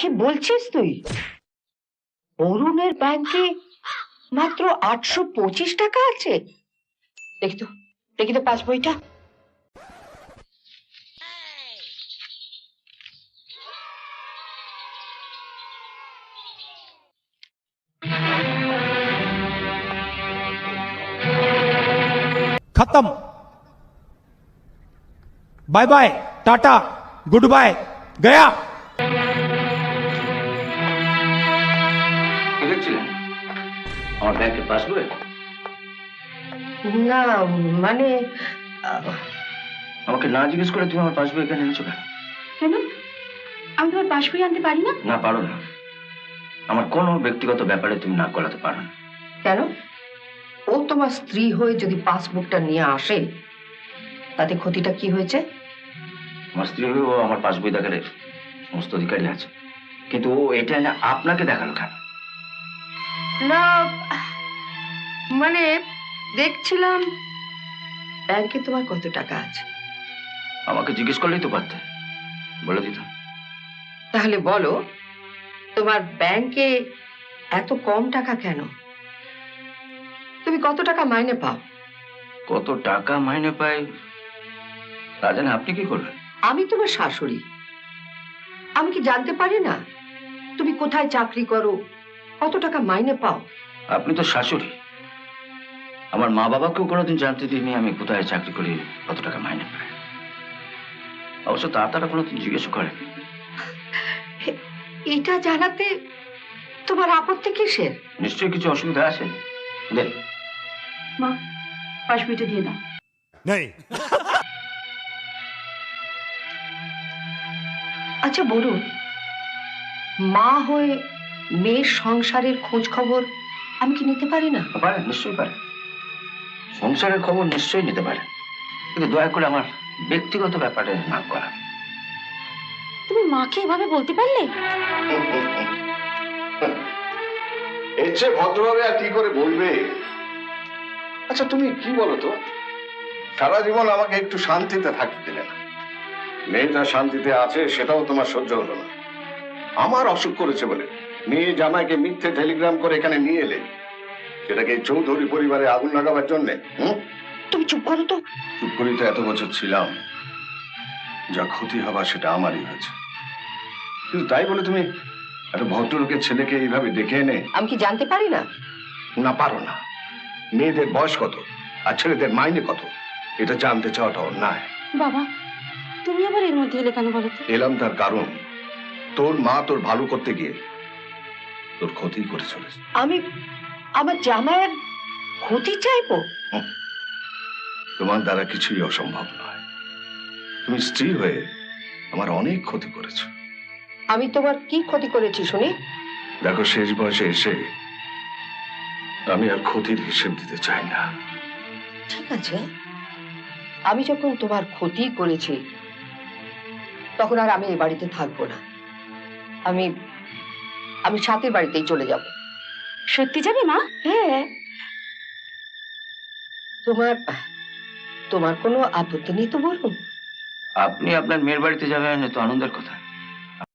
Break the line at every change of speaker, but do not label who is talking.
কি বলছিস তুই? অরুণের ব্যাংকে মাত্র 825 টাকা আছে? দেখি তো পাসবইটা।
खत्म। Bye bye, tata, good bye, गया।
দেখছিলেন আমার ব্যাংকের পাসবই?
না মানে
আমাকে না জিজ্ঞেস করে তুমি আমার পাসবই এখানে এনেছো কেন?
কেন? আমি তোমার পাসবই আনতে পারি না?
না, পারো না। আমার কোনো ব্যক্তিগত ব্যাপারে তুমি নাক গলাতে পারো না।
কেন? ও তোমার স্ত্রী হয়ে যদি পাসবুকটা নিয়ে আসে তাতে ক্ষতিটা কি হয়েছে?
আমার স্ত্রী হয়ে ও আমার পাসবই দেখার সমস্ত অধিকারী আছে, কিন্তু ও এটা এনে আপনাকে দেখালো কেন?
না মানে দেখছিলাম ব্যাংকে তোমার কত টাকা আছে।
আমাকে জিজ্ঞেস করলেই তো পারতে, বলে দিতাম।
তাহলে বলো, তোমার ব্যাংকে এত কম টাকা কেন? তুমি কত টাকা মাইনে পাও?
কত টাকা মাইনে পাই তা জানে আপনি কি করবেন?
আমি তোমার শাশুড়ি, আমি কি জানতে পারি না তুমি কোথায় চাকরি করো, কত টাকা মাইনে পাও?
আপনি তো শাশুড়ি। আমার মা বাবাকেও কোনোদিন জানতে দিইনি আমি কোথায় চাকরি করি, কত টাকা মাইনে পাই। অবশ্য তারা কোনোদিন জিজ্ঞেস করেন।
এটা জানাতে তোমার আপত্তি কিসের?
নিশ্চয়ই কিছু অসুবিধা আছে। দেখ
মা, পাসবইটা দিয়ে দাও।
नहीं।
আচ্ছা বলুন, মা হয়ে মেয়ের সংসারের খোঁজ খবর আমি কি নিতে পারি না?
পারেন, নিশ্চয়ই পারেন। সংসারের খবর নিশ্চয়ই নিতে পারেন, কিন্তু দয়া করে আমার ব্যক্তিগত ব্যাপারে নাক গলান।
তুমি মাকে এভাবে বলতে পারলে?
এর চেয়ে ভদ্রভাবে আর কি করে বলবে? আচ্ছা তুমি কি বলো তো, সারা জীবন আমাকে একটু শান্তিতে থাকতে দিলে না। মেয়েটা শান্তিতে আছে সেটাও তোমার সহ্য হলো না। আমার অসুখ করেছে বলে মেয়ে জামাইকে মিথ্যে টেলিগ্রাম করে এখানে নিয়ে এলে, সেটাকে এই চৌধুরী পরিবারে আগুন লাগাবার জন্যে।
তুমি চুপ করো তো।
চুপ করেই তো এত বছর ছিলাম। যা ক্ষতি হবার সেটা আমারই হয়েছে, কিন্তু তাই বলে তুমি একটা ভদ্রলোকের ছেলেকে এইভাবে ডেকে এনে।
আমি কি জানতে পারি না?
না, পারো না। মেয়েদের বয়স কত আর ছেলেদের মাইনে কত এটা জানতে চাওয়াটা অন্যায়।
বাবা, তুমি আবার এর মধ্যে এলে কেন বলো তো?
এলাম তার কারণ, তোর মা তোর ভালো করতে গিয়ে তোর ক্ষতি করে চলেছে।
আমি আমার জামাইয়ের ক্ষতি চাইবো?
তোমার দ্বারা কিছুই অসম্ভব নয়। তুমি স্ত্রী হয়ে আমার অনেক ক্ষতি করেছো।
আমি তোমার কি ক্ষতি করেছি শুনি?
দেখো, শেষ বয়সে এসে আমি আর ক্ষতির হিসেব দিতে চাই না।
ঠিক আছে, আমি যখন তোমার ক্ষতি করেছি তখন আর আমি এই বাড়িতে থাকবো না। আমি আমি সাথের বাড়িতেই চলে যাব।
সত্যি যাবে মা?
হ্যাঁ। তোমার তোমার কোনো আপত্তি নেই তো বলুন?
আপনি আপনার মেয়ের বাড়িতে যাবেন, তো আনন্দের কথা।